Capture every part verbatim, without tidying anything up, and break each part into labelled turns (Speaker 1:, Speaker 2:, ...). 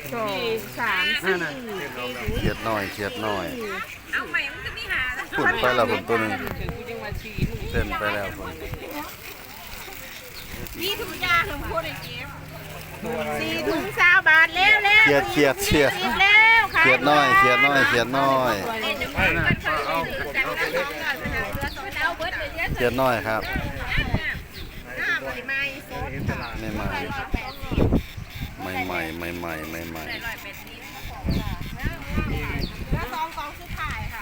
Speaker 1: สองสามสี่
Speaker 2: เขียดน้อยเขียดน้อย
Speaker 3: เอาใหม่มันจะมีหา
Speaker 2: ฝุ่นไปแล้วผมตัวหนึงเต้นไปแล้วผม
Speaker 3: นี่ถุงยาถึงพูดไอ้เก็บ
Speaker 1: สี่ถุงสาวบาทแล้วแล้ว
Speaker 2: เขียดเขียดเขียด
Speaker 1: สิบแล้วค่ะ
Speaker 2: เขียดน้อยเขียดน้อยเขียดน้อย
Speaker 3: ไม่นะเอาแต่ว่าต้องการเรือสองดาวเบิร์ดเลยเยอะ
Speaker 2: เขียดน้อยครับ
Speaker 1: หน้าบริไม้สดค่ะ
Speaker 2: ไม่ใหม่ไม่ใหม่ไม่ใหม่ไม่ใหม่
Speaker 3: ร้อยแปดสิบ
Speaker 1: แล้วสองกองสุดท้ายค่ะ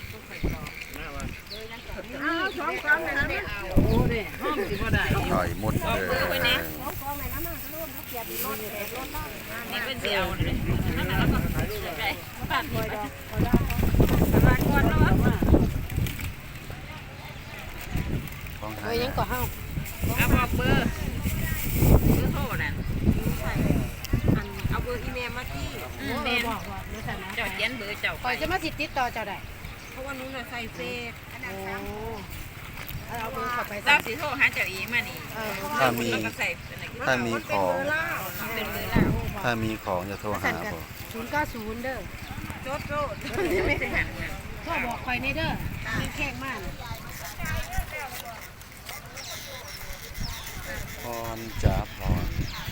Speaker 1: อ้าวสองกองเลยนะเนี่ย
Speaker 2: หน่อยมุดเลย
Speaker 1: สองกองเลยนะมาร่วมเขาเกียรติรถเอกรถบ้าน
Speaker 3: นี่เป็นเดียวเลยนั่นแหละแล้วก็ไปปาดหัวปาดก้อนแล้ว
Speaker 2: ของไท
Speaker 1: เอ้
Speaker 2: ย
Speaker 1: ยยังก่อเฮา
Speaker 3: เอาบอกเบอร์เบอร์โทรนั่น
Speaker 1: เอาเบอร์อีเมลมาที่
Speaker 3: แม่เจ้าเขียนเบอร์เจ้า
Speaker 1: ก่อนจะมาติดติดต่อเจ้าได้เพราะว่านู้นน่ะใส่เฟซโอ้เอาเบอร์เข้าไป
Speaker 3: เจ้าสิโทรหาเจ้าอีมานี่
Speaker 2: ถ้ามี
Speaker 3: แล้วก็ใส่
Speaker 2: ถ้ามีของ
Speaker 3: เป็นเบอร์ล่า
Speaker 2: ถ้ามีของจะโทรหาผม
Speaker 1: ศูนย์เก้าศูนย์เด้อ
Speaker 3: โจโจ้ไม่ได้หัน
Speaker 1: พ่อบอกคอยในเด้อมีแข้งมาก
Speaker 2: พรจ๋าพร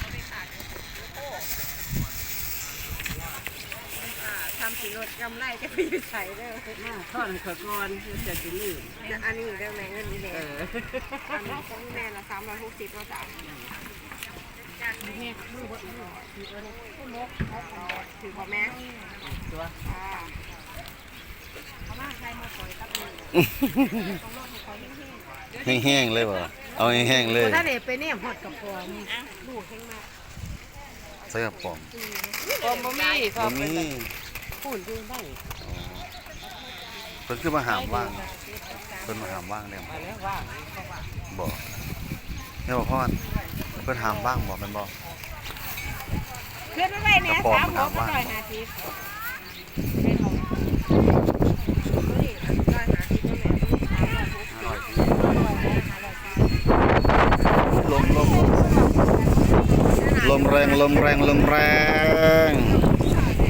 Speaker 1: ทำสีรถกำไรจะไปอยู่ใส่เด้อ
Speaker 4: ทอดขอกอนจะสิลืม
Speaker 1: อันนี้เรื่องไหนเงินนี่แหละอันนี้ของแม่ละสามร้อยหกสิบก็จ่ายถือพอแม่ตัวเขามาใครมาปล่อยตับเลย
Speaker 2: แห้งๆเลยบ่เอาแห้งๆเลย
Speaker 1: ถ้าเด็กไปเนี่ยหอดกับพอลูกแห้งมาก
Speaker 2: ใส่กระป๋อง
Speaker 4: กอมบ่มี
Speaker 2: บ่มี
Speaker 4: พูดดูได้
Speaker 2: อ๋อเพิ่นคือมาหามว่างเพิ่นมาหามว่างแล้ว
Speaker 4: มาแล้วว่าง
Speaker 2: บ่แม่บ่พรเพิ่นหามว่างบ่แม่นบ่
Speaker 1: ขึ้นไปเนี่ยสามหัวก็หน่อยหาทิพย์
Speaker 2: ลมลมลมแรงลมแรงลมแรง